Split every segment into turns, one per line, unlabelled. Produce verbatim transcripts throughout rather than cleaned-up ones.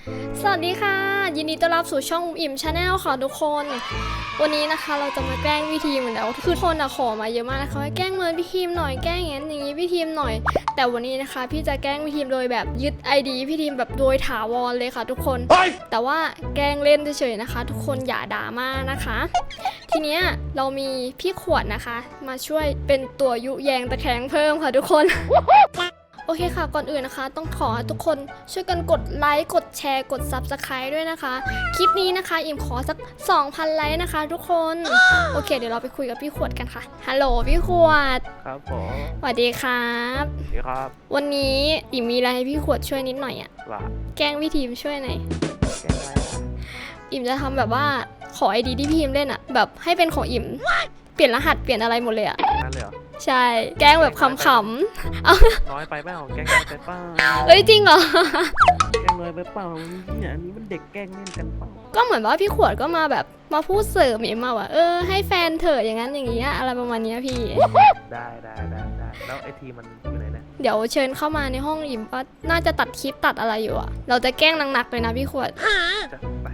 สวัสดีค่ะยินดีต้อนรับสู่ช่องอิ่มชาแนลค่ะทุกคนวันนี้นะคะเราจะมาแกล้งพี่ทีมเหมือนเดิมคือคนอะขอมาเยอะมากนะคะให้แกล้งเมินพี่ทีมหน่อยแกล้งอย่างนั้นอย่างนี้พี่ทีมหน่อยแต่วันนี้นะคะพี่จะแกล้งพี่ทีมโดยแบบยึด ไอ ดี พี่ทีมแบบโดยถาวรเลยค่ะทุกคนแต่ว่าแกล้งเล่นเฉยๆนะคะ ทุกคนอย่าด่ามานะคะ ทีเนี้ยเรามีพี่ขวดนะคะ มาช่วยเป็นตัวยุแยงตะแคงเพิ่มค่ะทุกคน โอเคค่ะก่อนอื่นนะคะ ต้องขอให้ทุกคนช่วยกันกดไลค์กดแชร์กด ซับสไครบ์ ด้วยนะคะคลิปนี้นะคะอิ่มขอสัก สองพัน ไลค์นะคะทุกคนโอเคเดี๋ยวเราไปคุยกับพี่ขวดกันค่ะฮัลโหลพี่ขวด
ครับผม
สวัสดีครับ
สวัสดีครับ
วันนี้อิ่มมีอะไรให้พี่ขวดช่วยนิดหน่อยอะ
ว่า
แกล้งพี่ทีมช่วยหน่อย
แกล้งอะไรอ่ะ
อิ่มจะทำแบบว่าขอไอดีที่พี่ทีมเล่นอะแบบให้เป็นของอิ่มเปลี่ยนรหัสเปลี่ยนอะไรหมดเลยอะ
นั่นเลยเหรอ
ใช่แกล้งแบบขำๆเอา
น้อยไปเปล่าแกล้งน้อยไปเปล่า
เอ้ยจริงเหรอ
แกล้งน้อยไปเปล่าเนี่ยอันนี้มันเด็กแกล้งเล่นกันเปล่า
ก็เหมือนว่าพี่ขวดก็มาแบบมาพูดเสริมเอ็มมาว่าเออให้แฟนเถอะอย่างนั้นอย่างนี้อะไรประมาณนี้พี่
ได้ได้ได้ได้แล้วไอทีมันอยู่ไหนเนี่ย
เดี๋ยวเชิญเข้ามาในห้องอิมก็น่าจะตัดคลิปตัดอะไรอยู่อะเราจะแกล้งหนักๆเลยนะพี่ขวด
จะไป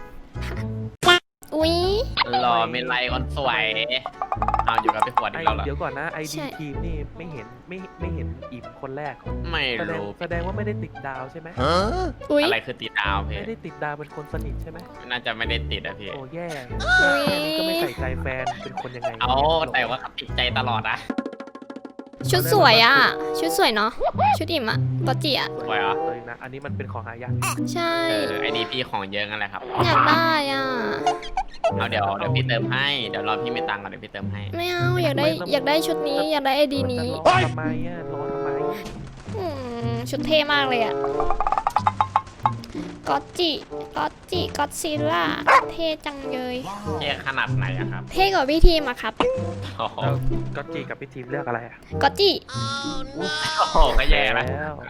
อุ๊ย
รอเมลัยคนสวยเอาอยู่กับพี่ขวดอีกแล้วเหรอ
เดี๋ยวก่อนนะไอดีทีมนี่ไม่เห็นไม่ไม่เห็นอิ่มคนแรก
ไม่รู้
แสดงว่าไม่ได้ติดดาวใช่ไหม
อะไรคือติดดาวพี่
ไม่ได้ติดดาวเป็นคนสนิทใช่ไหม
น่าจะไม่ได้ติดอะพี่
โอ้แย่แค่นี้ก็ไม่ใส่ใจแฟนเป็นคนยังไง
เอาแต่ว่าติดใจตลอดนะ
ชุดสวยอ่ะชุดสวยเนาะชุดอิ่มอ่ะบอจีอ่ะ
สวยเหรอ
เลยนะอันนี้มันเป็นของหายาก
ใช่
เออไอดีพี่ของเยอะงั้นแหละครับ
อยากได้อ่ะ
เอาเดี๋ยวเดี๋ยวพี่เติมให้เดี๋ยวรอพี่ไม่ตังค์ก่อนเดี๋ยวพี่เติมให้
ไม่เอาอยากได้อยากได้ชุดนี้อยากได้ไอดีนี้
ทำไมอ่ะรอทำไม
อืมชุดเท่มากเลยอ่ะก็อตจิก็อตจิก็อตซิลล่าเท่จังเลย
เท่ขนาดไหนอะครับ
เท่กว่าพี่ทีมอะครับ
แล้วก็จีกับพี่ทีมเลือกอะไรอะ
ก็อตจิ
โอ้โหก็แย่แล้ว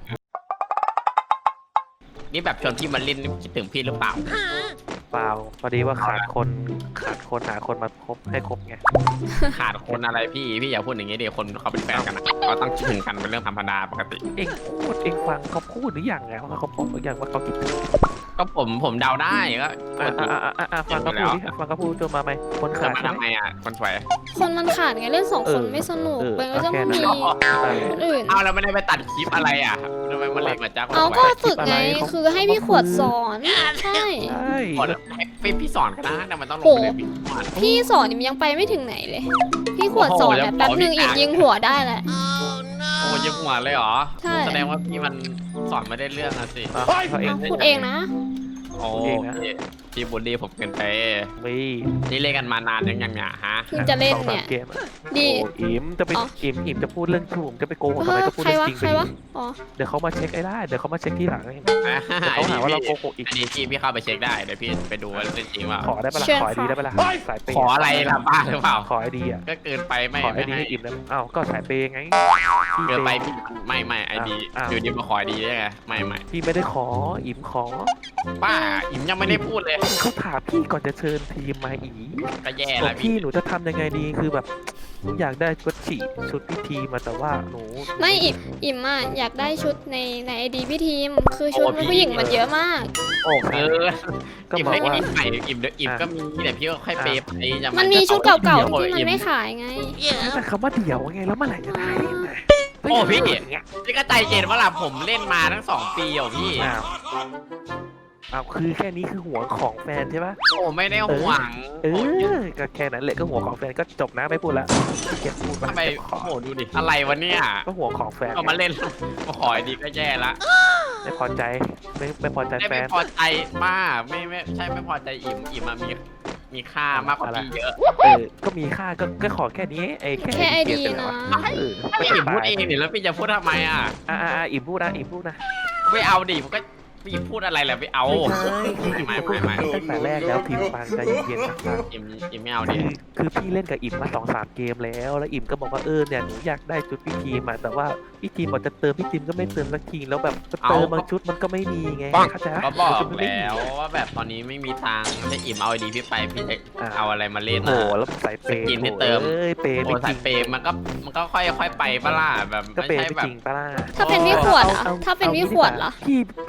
นี่แบบชวนพี่มาเล่นคิดถึงพี่หรือเปล่า
เปล่าพอดีว่าขาดคนขาดคนหาคนมาคบให้ครบไง
ขาดคนอะไรพี่พี่อย่าพูดอย่างนี้ดิคนเขาเป็นแฟนกันนะเขาต้องคิดถึงกันเป็นเรื่องธรรมดาปกติ
เองพูดเองฟังเขาพูดหรือยังไงว่าเขาพูดหรือยังว่าเขาคิดถึง
ก็ผมผมเดาได้ก็
อ่าอ่าอ่าอ่าฟังเขาพูดดิฟังเขาพูดจนมาไหมคนขาด
ทำไมอ่ะคนสวย
คนมันขาดไงเล่นสองคนไม่สนุกมันก็ต้องมีคนอื่น
เอาแล้วไม่ได้ไปตัดคลิปอะไรอ่ะทำไมมันเล็กเหมือนจ้า
เอาก็ฝึกไงคือให้พี่ขวดสอนใช่
พี่พี่สอนก็ได้แต่มันต้องลงไปใน
พี่สอนยังไปไม่ถึงไหนเลยพี่ขวดสอนแบบแป๊บนึงอีกยิงหัวได้แหละ
โอ้ยิงหัวเลยเหรอ
ใช่
แสดงว่าพี่มันสอนไม่ได้เรื่องอะสิ
พูดเองนะ
โอ้พี่บุลลี่ผมเกินไปนี่เล่นกันมานานยังยังเนี่ยฮะ
เพิ่งจะเล่นเนี่ย
ดีอิ่มจะไปอิ่มอิ่มจะพูดเรื่องชูมจะไปโกหกทำไมก็พูดเรื่องจริงไปเดี๋ยวเขามาเช็คไอ้ได้เดี๋ยวเขามาเช็คที่หลังเขาหาว่าเราโกหกอีก
อันนี้พี่พี่เข้าไปเช็คได้เดี๋ยวพี่ไปดูว่าเรื่องจริงว่า
ขอได้ปะล่ะขอไอดีได้ปะล่ะสายเปย์
ขออะไรล่ะบ้าหรือเปล่า
ขอไอดีอ่ะ
ก็เกินไปไม่
ขอไอดีให้อิ่มนะอ้าวก็สายเปย์ไง
เกินไปพี่ไม่ไม่ไอดีอยู่ดีมาขอไอดีได้ไงไม่ไม่
พี่ไม่ได้ขออิ่มขอ
ป้าอิ่มยังไม่ได้พูดเลย
เขาถามพี่ก่อนจะเชิญทีมมาอี
ก็แย่แล้ว
พี่หนูจะทำยังไงดีคือแบบอยากได้ชุดฉีชุดพี่ทีมาแต่ว่าหนู
ไม่อิ่มอิ่มอ่ะอยากได้ชุดในในไอดีพี่ทีมคือชุดผู้หญิงมันเยอะมาก
โอ้เออ
ก็บอกว่าอิ่มใหม่อิ่มเดี๋ยวอิ่มก็มีแต่พี่ก็ค่อยเปย์ไป
มันมีชุดเก่าๆที่มันไม่ขายไง
แต่คำว่าเดี่ยวไงแล้วเมื่อไหร่จะได้
โอ้พี่พี่ก็ใจเย็นว่าล่ะผมเล่นมาทั้งสองปีอ่ะพี่
อ้าวคือแค่นี้คือหัวของแฟนใช่ปะ
โอ้ไม่ได้หวัง
เออก็แค่นั้นแหละก็หัวของแฟนก็จบนะไม่พูดละเก็บพูด
ไปโอ้โหดูดิอะไรวะเนี่ย
ก็หัวของแฟน
ก็มาเล่นมาขอดีก็แย่ละ
ไม่พอใจไม่ไม่พอใจแฟน
ไม่พอใจมากไม่ไม่ใช่ไม่พอใจอิ่มอิ่มมามีมีค่ามากกว่าพี่เยอะ
เออก็มีค่าก็ก็ขอแค่นี้ไอ้
แค่ไอดีนะ
ไม่อิ่มพูดเองนี่แล้วพี่จะพูดทำไมอ่ะ
อ่าอ่าอิ่มพูดนะอิ่มพูดนะ
ไม่เอาดิผมก็พี่พูดอะไรแหละไม่เอา
ไม่ไม่ไม่ตั้งแต่แรกแล้วพิมพ์ฟังใจเย็นๆนะครับ
อิ่มอิ่มไม่เอาดิ
คือพี่เล่นกับอิ่มมาสองสามเกมแล้วแล้วอิ่มก็บอกว่าเออเนี่ยหนูอยากได้ชุดพี่ทีมแต่ว่าพี่ทีมบอกจะเติมพี่ทีมก็ไม่เติมสักทีแล้วแบบเติมบางชุดมันก็ไม่มีไงเข้าใจ
ก็บอกแล้วว่าแบบตอนนี้ไม่มีตังค์จะอิ่มเอาดีพี่ไปพี่จะเอาอะไรมาเล่น
โอ้แล้วใส่เปย์
กินให้เติม
เอ้ยเปย์
โอ้ใส่เปย์มันก็มันก็ค่อยค่อยไปปะล่ะแบบ
ก็เปย์จริงปะล่ะ
ถ้าเป็นพี่ขวดอ่ะถ้าเป็นพี่ขวดเหรอ
พี่พี่เติมไม่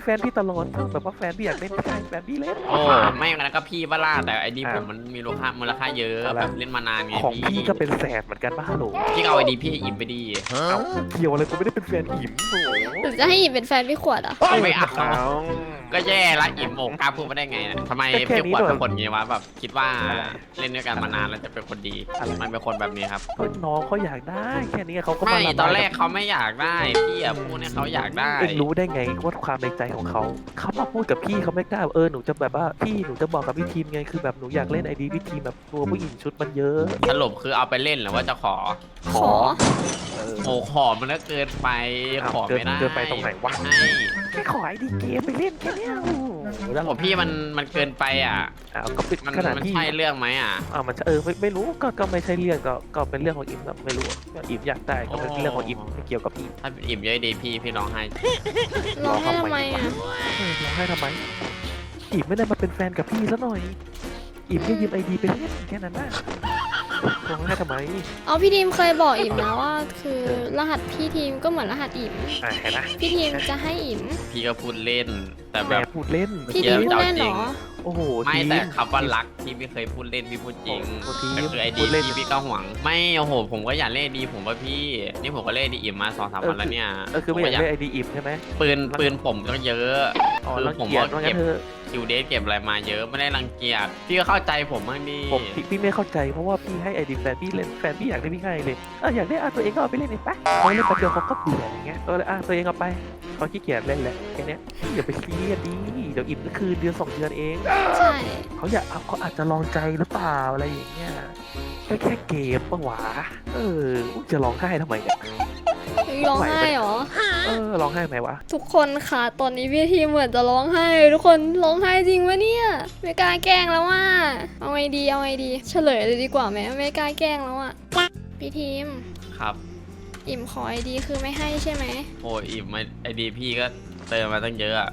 แฟนพี่ตลอดแบบว่าแฟนพี่อยากเล่นไม่ใช่แฟนพี่เล่น
โอ้ไม่งั้นก็พี่บ้าล่าแต่ไอดี
อ้าว
ผมมันมีมูลค่ามูลค่าเยอะ
อะไร
แบบเล่นมานานไง
ของ
พี่
พี่ก็เป็นแสนเหมือนกันบ้าโหล
พี่ก็เอาไอดีพี่อิ่มไปดี
เอาเกี่ยวอะไรกูไม่ได้เป็นแฟนอิ่มโอ้โห
หรือจะให้อิ่มเป็นแฟนพี่ขวดอ่ะ
ไม่เอา
เอา
ก็แย่ละอิ่มโอกกล้าพูดมาได้ไงเนี่ยทำไม
ก็แค่
พี่
นี้
ขวด
หน่อย
เป็นคนงี้วะแบบคิดว่า
อะไร
เล่นด้วยกันมานานแล้วจะเป็นคนดี
อะไร
มันเป็นคนแบบนี้ครับ
ก็น้องเขาอยากได้แค่นี้เขาก็
ไม่
มาระบาย
ตอนแรกเขาไม่อยากได้พี่อะพูดให้เขาอยากได้
เอ็งรู้ได้ไงว่าความในใจของเขาเขามาพูดกับพี่เขาไม่กล้าเออหนูจะแบบว่าพี่หนูจะบอกกับพี่ทีมไงคือแบบหนูอยากเล่นไอดีพี่ทีมแบบตัวผู้หญิงชุดมันเยอะ
สรุปคือเอาไปเล่นหรือว่าจะขอ
ขอ
เออ
โอ้ขอมันก็เกินไป
อ้าว
ขอไม่ได้
เกินเกินไปตรงไหนวะ
ไม่
แค่ขอไอดีเกมไปเล่นแค่เนี้ยโอ้โหแล้ว
โอ้พี่มันมันเกินไปอ่ะ
อ้าวก็เป็น
มัน
ขนาด
มัน
ที่
ใช่เรื่องไหมอ่ะ
อ่ามันเออไม่ไม่รู้ก็ก็ไม่ใช่เรื่องก็ก็เป็นเรื่องของอิมครับไม่รู้ก็อิมอยากได้ก็เป็นเรื่องของอิมไม่เกี่ยวกับพี่
ถ้าอิ่มเยอะดีพี่พี่ร้องไห้
ร้องให้ทำไมอ่ะ
เออร้องไห้ทำไมอิมไม่ได้มาเป็นแฟนกับพี่ซะหน่อยอิมแค่ยืมไอดีไปเล่นแค่นั้นนะร้องไห้ทำไม
เอาพี่ทีมเคยบอกอิ่มนะว่า คือรหัสพี่ทีมก็เหมือนรหัสอิ่ม
อ่าเห็นนะ
พี่ทีมจะให้อิ่ม
พี่ก็พูดเล่น แต่
แห
แบ
ม
บ
พูดเล่น
พี่ทีมพูดเล่นเหรอ
โอ้โห
ไม่
ที
แต่คำว่ารักพี่ไม่เคยพูดเล่นพี่พูดจริง
โอ้ทีม
แต่คือไอ
พู
ดี
ดเล่น
พี่พี่ก็หวัง ไม่โอ้โหผมก็อยากเล่นดีผมว่าพี่ นี่ผมก็เล่นดีอิ่มมาสองสามวันแล้วเนี่ย
เออคือไม่อยากได้ไอดีอิมใช่ไหม
ปืนปืนผมก็เยอะ
อ๋อ
คือ
รัง
ผม
เกียจ
ว่า
ว่างั้
เก็บ
นเธอะ
คิวเดทเก็บอะไรมาเยอะไม่ได้รังเกียจพี่ก็เข้าใจผมบ้างดิ
ผมพี่พี่ไม่เข้าใจเพราะว่าพี่ให้ไอดีแฟนพี่เล่นแฟนพี่อยากได้พี่ให้เลยเอออยากได้อ่ะตัวเองก็เอาไปเล่นเองไปเขาเล่นแป๊บเดียวเขาก็เบื่ออย่างเงี้ยเออเลยอ่ะตัวเองเอาไปเขาขี้เกียจเล่นแหละแค่เนี้ยอย่าไปซีเรียสดีเดี๋ยวอิ่มก็คือเดือนสองเดือนเอง
ใช่
เขาอยากเอาเขาอาจจะลองใจหรือเปล่าอะไรอย่างเงี้ยแค่แค่เกมปะหวะเออจะร้องไห้ทำไมเนี่ย
ร้องไห้เหรอ
เออร้องไห้ไหมวะ
ทุกคนค่ะ ตอนนี้พี่ทีมเหมือนจะร้องไห้ ทุกคนร้องไห้จริงวะเนี่ย ไม่กล้าแกล้งแล้วว่า เอาไงดี เอาไงดี เฉลยเลยดีกว่าไหมไม่กล้าแกล้งแล้วอะพี่ทีม
ครับ
อิ่มขอไอดีคือไม่ให้ใช่ไหม
โอ้ยอิ่มมาไอดีพี่ก็เติมมาตั้งเยอะอะ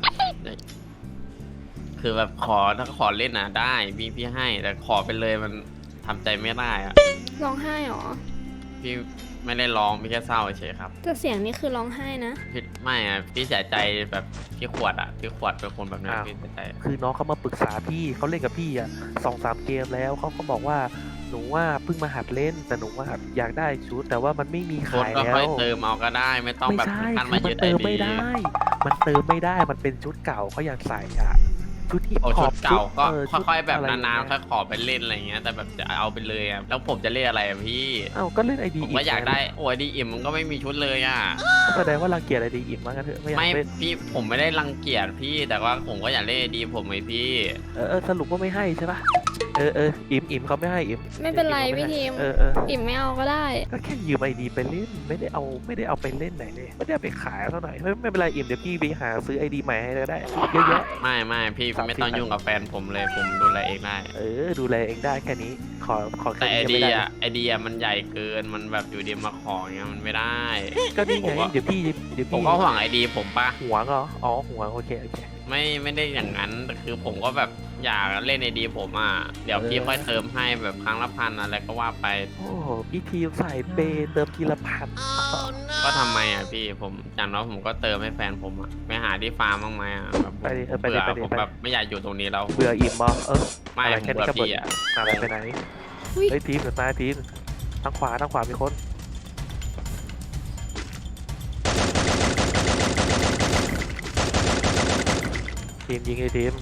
คือแบบขอถ้าขอเล่นนะได้พี่พี่ให้ แต่ขอไปเลยมันทำใจไม่ได้อะ
ร้องไห้เหรอ
พี่ไม่ได้ร้องพี่แค่เศร้าเฉยครับ
แต่เสียงนี่คือร้องไห้นะ
พี่ไม่อะพี่เสียใจแบบพี่ขวดอะพี่ขวดเป็นคนแบบนั้นพี่เสียใจ
คือน้องเขามาปรึกษาพี่เขาเล่นกับพี่อ่ะสองสามเกมแล้วเขาก็บอกว่าหนูว่าเพิ่งมาหัดเล่นแต่หนูว่าอยากได้ชุดแต่ว่ามันไม่มี
คน
ขาย
ก็
แล้
ค่อยว เติมเอาก็ได้ ไม่ต้อง
ไม่
แบบ
ใช่
ขั้น
คื
มา
อมั
ยึ
น
ดไอ
เติม
ดี
ไม่ได้ มันเติมไม่ได้มันเป็นชุดเก่าเขาอยากใส่อะชุดฮิป
โอ้
ฮ
ชุ
อ
ด
ป
เก่าก็
เชุด
ค่อยๆแบบ
ะไร
นานๆค่
เงี้
อยขอไปเล่นอะไรเงี้ยแต่แบบจะเอาไปเลยอะแล้วผมจะเล่นอะไรอะพี่
เอ้าก็เล่นไอดี
ผมก็อยากได้โอ้ยดีอิ่มมันก็ไม่มีชุดเลยอะ
แสดงว่ารังเกียจไอดีอิ่มมากกันเถอะไม่อยาก
ไม่
เล่น
พี่ผมไม่ได้รังเกียจพี่แต่ว่าผมก็อยากเล่นดีผมไอพี่
เออเออสรุปว่าไม่ให้ใช่ปะเออเอออิ่มอิ่มเขาไม่ให้อิ่ม
ไม่เป็นไร
อิ่
พี่
ขา
ทีม
เออเออ
อิ่มไม่เอาก็ได้
ก็แค่ยืมไอดีไปเล่นไม่ได้เอาไม่ได้เอาไปเล่นไหนเลยไม่ได้เอาไปขายเท่าไหร่ไม่ไม่เป็นไรอิ่มเดี๋ยวพี่ไปหาซื้อไอดีใหม่ให้ก็ได้เยอะแยะ
ไม่ไม่พี่
สามสิบ
ไม่ต้องยุ่งกับแฟนผมเลยผมดูแลเองได้
เออดูแลเองได้แค่นี้ขอขอ
แต่
แค่
ไอ
นี้
เดี
ไม่
ย
ได้
ไอเดียมันใหญ่เกินมันแบบอยู่ดีมาขออย่างเงี้ยมันไม่ได้
ก็นี่
ผ
ไง
มว่า
เดี๋ยวพี่เดี๋ยว
ผม
พี่
ก็ห่วงไอดีผมปะ
หวงเหรออ๋อหวงโอเคโอเค
ไม่ไม่ได้อย่างนั้นแต่คือผมก็แบบอยากเล่นไอดีผมอ่ะเดี๋ยว
เออ
พี่ค่อยเติมให้แบบครั้งละพันอะไรก็ว่าไป
โอ้โหพี่ทีมใส่เปย์เติมทีละพัน
ก็ทำไมอ่ะพี่ผมอย่างน้อยผมก็เติมให้แฟนผมอ่ะไปหาที่ฟาร์มบ้างไหมอ่ะแบบผม
ไปดิเออไปดิ
เบื่อ
ไปดิ
ผม
ไปดิ
แบบไม่อยากอยู่ตรงนี้แล้ว
เบื่ออิ่มบอเออ
ไม่
อะไร
ผม
แค่นี้
เบื่อ
ก็บ่น
พี่อ่ะ
อะไรไปไหน
อุ๊ย
เฮ้ยทีมเดี๋ยวตายทีมทางขวาทางขวามีคนทีมยิงไอ้ทีม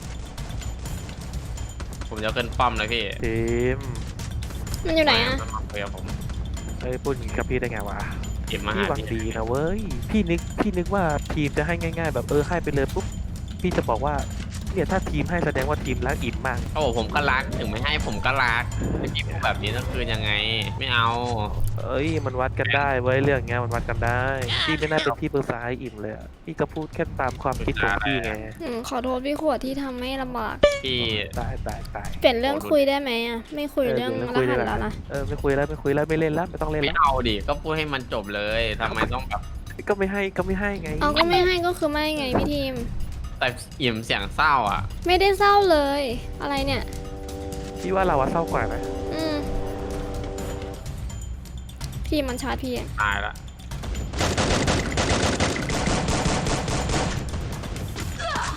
ผมจะขึ้นป้อมเลยพี่
ทีม
มันอยู่ไหนอะ
มาคุยกับผม
เฮ้ยพูดอย่างนี้กับพี่ได้ไงวะ
เก็บมา
พี่
หา
หวัง
พี่
ดีนะเว้ยพี่นึกพี่นึกว่าทีมจะให้ง่ายๆ แบบเออให้ไปเลยปุ๊บพี่จะบอกว่าเนี่ยถ้าทีมให้แสดงว่าทีมรักอิ่มมาก
โอ้ผมก็รักถึงไม่ให้ผมก็รักแต่พี่พูดแบบนี้นั่นคือยังไง ไม่เอา
เอ้ยมันวัดกันได้เว้ยเรื่องเงี้ยมันวัดกันได้พี่ไม่น่าเป็นที่ปรึกษาให้อิ่มเลยอะพี่ก็พูดแค่ตามความคิดของพี่ไง
อืมขอโทษพี่ขวดที่ทำให้ลำบาก
พี่
ตายตายตาย
เปลี่ยนเรื่องคุยได้ไหมอะไม่คุยเรื่อง
เออ
ร
เดี๋ยวคุย
หัส
ได้
แล้วนะ
เออไม่คุยแล้วไม่คุยแล้วไม่เล่นแล้วไม่ต้องเล่น
ไม่
แล้ว
เอาดิก็พูดให้มันจบเลยทำไมต้องแบบ
ก็ไม่ให้ก็ไม่ให้ไง
เอาก็ไม่ให้ก็คือไม่ไงพี่ทีม
แต่อิ่มเสียงเศร้าอ่ะ
ไม่ได้เศร้าเลย อะไรเนี่ย
พี่ว่าเราอะเศร้ากว่าไหม
อืมพี่มันชาร์จพี่อะ
ตายละ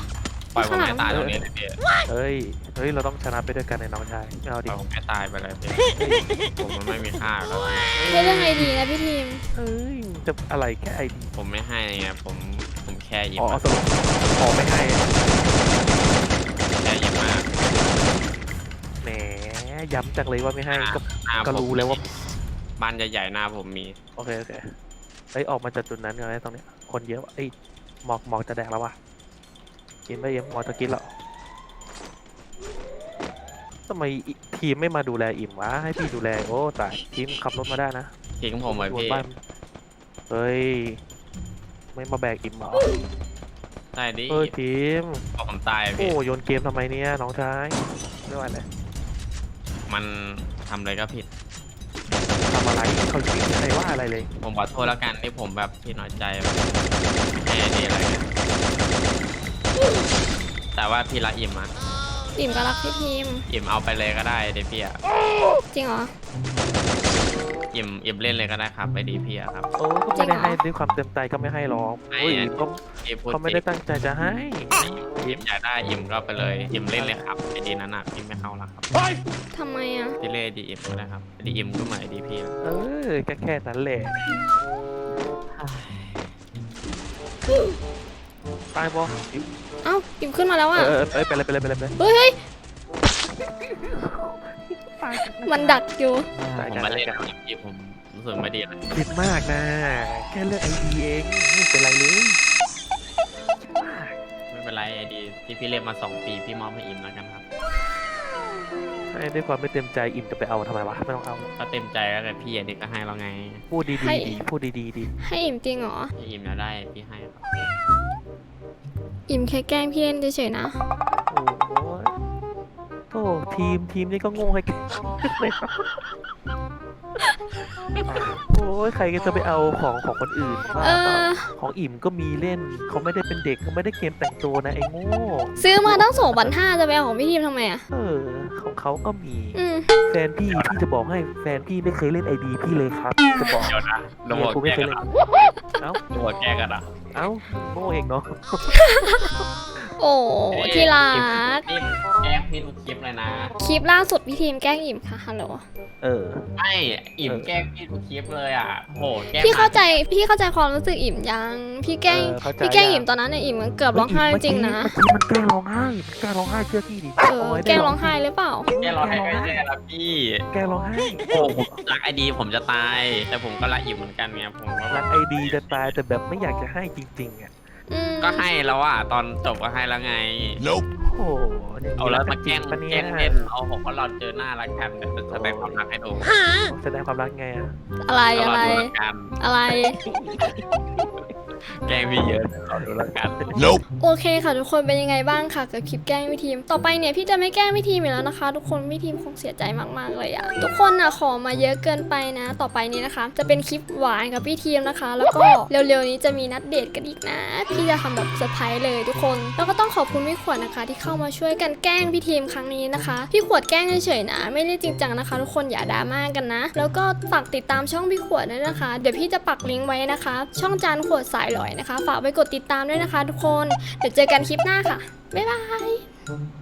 ปล่อยผมให้ตายตรงนี้เลยพี่
เฮ้ยเฮ้ยเราต้องชนะไปด้วยกันในน้องชายไม่เอา
ป
ดิ
ล่อยผมให้ตายไปเลยพี่ผมมันไม่มีค่าแล้ว
ให้เรื่องไอดีนะพี่ทีม
เอ้ยจะอะไรแค่ไอดี
ผมไม่ให้ไงผมผมแค่ยิ้ม
อ๋อสรุปขอไม่ให้
แค่ยิ้มมาก
แหมย้ำจังเลยว่าไม่ให้ก็
หน้า
ก็
ผม
รู้แล้วว่า
บ้านใหญ่ๆหน้าผมมี
โอเคโอเคเฮ้ยออกมาจากจุดนั้นกันไหมตรงเนี้ยคนเยอะว่ะเอ้ยหมอกหมอกจะแดกแล้วว่ะกินไปเอ็มหมอกจะกินแล้วทำไมอิทีมไม่มาดูแลอิ่มวะให้พี่ดูแลโอ้ตายทีมขับรถมาได้นะ
ทิ้งผมไว้
ชวน
พี่
บ้านเฮ้ยไม่มาแบกอิ่มเหรอ
ใช่ดิ
เฮ้ยทีม
บอกผมตาย
โอ้
พี่
โยนเกมทำไมเนี่ยน้องชายไม่ไหวเลย
มันทำอะไรก็ผิด
ทำอะไรเขาจริงใครว่าอะไรเลย
ผมขอโทษแล้วกันที่ผมแบบพี่น้อยใจแบบไม่ให้ดีอะไรเงี้ยแต่ว่าพี่ละอิ่มอะ
อิ่มก็รักพี่ทีม
อิ่มเอาไปเลยก็ได้เดี๋ยวพี่อะ
จริงเหรอ
อิ่มอิ่มเล่นเลยก็ได้ครับไปดีพี่อะครับ
โอ้ก็ไม่ได้ให้ด้วยความเต็มใจก็ไม่ให้หรอก
ให้
โอ้ย
อะ
ก็
พี่พูด
เขาไม่
จริ
ได้
ง
ตั้งใจจะให้
อิ่มอยากได้อิ่มก็ไปเลยอิ่มเล่นเลยครับไอดีนั้นอะพี่ไม่เข้าละครับ
ทำไมอ่ะ
พี่เล่ดีอิ่มก็ได้ครับดีอิ่มก็เหมือนดีพี่
เออแค่แค่นั้นแหละตายบอ
เอ้าอิ่มขึ้นมาแล้ว
เอ
อ่ะ
อเออเอ้ยไปเลยไปเลยไปเลยไปเลย
เฮ้ยเฮ้ย
ตาย
มันดักอยู่
ตาย
ผม
กัน
มา
ตาย
เล่น
กัน
กับพี่ผมรู้สึกไม่ดีเลย
คิดมากนะ แค่เลือกไอดีเองไม่เป็นไรเลยคิดมาก
ไม่เป็นไรไอดีที่พี่เล่นมาสองปีพี่มอบให้อิ่มแล้วกันครับ
ให้ด้วยความไม่เต็มใจอิ่มจะไปเอาทำไมวะไม่ต้องเอา
ก็เต็มใจแล้วแต่พี่อันนี้ก็ให้เราไง
พูดดี
ให้
ๆดีพูดดีๆดี
ให้อิ่มจริงเหรอ
พี่อิ่มแล้วได้พี่ให้ครับ
อิ่มแค่แกล้งพี่เล่นเฉยๆนะ
โอ้โหโธ่ทีมทีมนี่ก็โง่ให้กันเลยครับโอ้ยใครก็จะไปเอาของของคนอื่นว่า
เอ
เปล่า
อ
ของอิ่มก็มีเล่นเขาไม่ได้เป็นเด็กเขาไม่ได้เกมแต่งตัวนะไอ้โง่
ซื้อมาตั้งสองพันห้าจะไปเอาของพี่ทีมทำไมอ่ะ
เออของเขาก็มี
อืม
แฟนพี่พี่จะบอกให้แฟนพี่ไม่เคยเล่นไอดีพี่เลยครับจะบอก
เดี๋ยวนะโดน
เมียกู
แก
ไม่
ล้
เค
ง
ย
กัน
เล่
อ่ะ
นเอ้า
โดนแกล้งกันอ่ะ
เอ้าโง่เองเนาะ
โอ้ที่รัก
นี่แกล้งพี่ทุกคลิปเลยนะ
คลิปล่าสุดพี่ทีมแกล้งอิ่มค่ะฮัลโหล
เออ
ไม่อิ่มแกล้งพี่ทุกคลิปเลยอ่ะโหแกล้ง
พี่เข้าใจพี่เข้าใจความรู้สึกอิ่มยังพี่แกล้ง
เออเข้าใจ
พี่แกล้ง
ยัง
อิ่มตอนนั้นเนี่ยอิ่มมันเกือบร้องไห้จริงๆนะ
เมื่อกี้มันแกล้งร้องไห้มันแกล้งร้องไห้เชื่อพี่ดิ
เออแกล้งร้องไห้หรือเปล่า
แกล้งเราให้ไม่ได้แล้วพี่
แกล้งร้องไห้
โอ้ผมรักไอดีผมจะตาย แต่ผมก็รักอิ่มเหมือนกันไงผมก็แบ
รับ กไอดีจะตายแต่แบบไม่อยากจะให้จริงๆอ่ะ
อืม
ก็ให้แล้วอ่ะตอนจบก็ให้แล้วไง
โอ้โหนี่
เอาแล้วมาแกล้ง
ปะเนี่
แกล้
ย
งเล่นเอาผมว่าเราเจอหน้ารักกันเดี๋ยวจะแสดงความรักให้ดู
แสดงความรักไงอ่ะ
อะไร
เรา
อะไร
ดูรักกัน
อะไร
แกล้งพี่เยอะเดี๋ยวเราดูรักกัน
โอเคค่ะทุกคนเป็นยังไงบ้างค่ะกับคลิปแกล้งพี่ทีม ต่อไปเนี่ยพี่จะไม่แกล้งพี่ทีมอีกแล้วนะคะ ทุกคนพี่ทีมคงเสียใจมากๆเลยอะทุกคนอะขอมาเยอะเกินไปนะ ต่อไปนี้นะคะ จะเป็นคลิปหวานกับพี่ทีมนะคะ แล้วก็เร็วๆนี้จะมีนัดเดทกันอีกนะ พี่จะทำแบบเซอร์ไพรส์เลยทุกคนแล้วก็ต้องขอบคุณพี่ขวดนะคะ ที่เข้ามาช่วยกันแกล้งพี่ทีมครั้งนี้นะคะพี่ขวดแกล้งเฉยๆนะ ไม่ได้จริงจังนะคะ ทุกคนอย่าดราม่ากันนะ แล้วก็ฝากติดตามช่องพี่ขวดด้วยนะคะ เดี๋ยวพี่จะปักลิงก์ไว้นะคะ ช่องจานขวดสายหลอยนะคะ ฝากไปกดติดตามด้วยนะคะ ทุกคนเดี๋ยวเจอกันคลิปหน้าค่ะบ๊ายบาย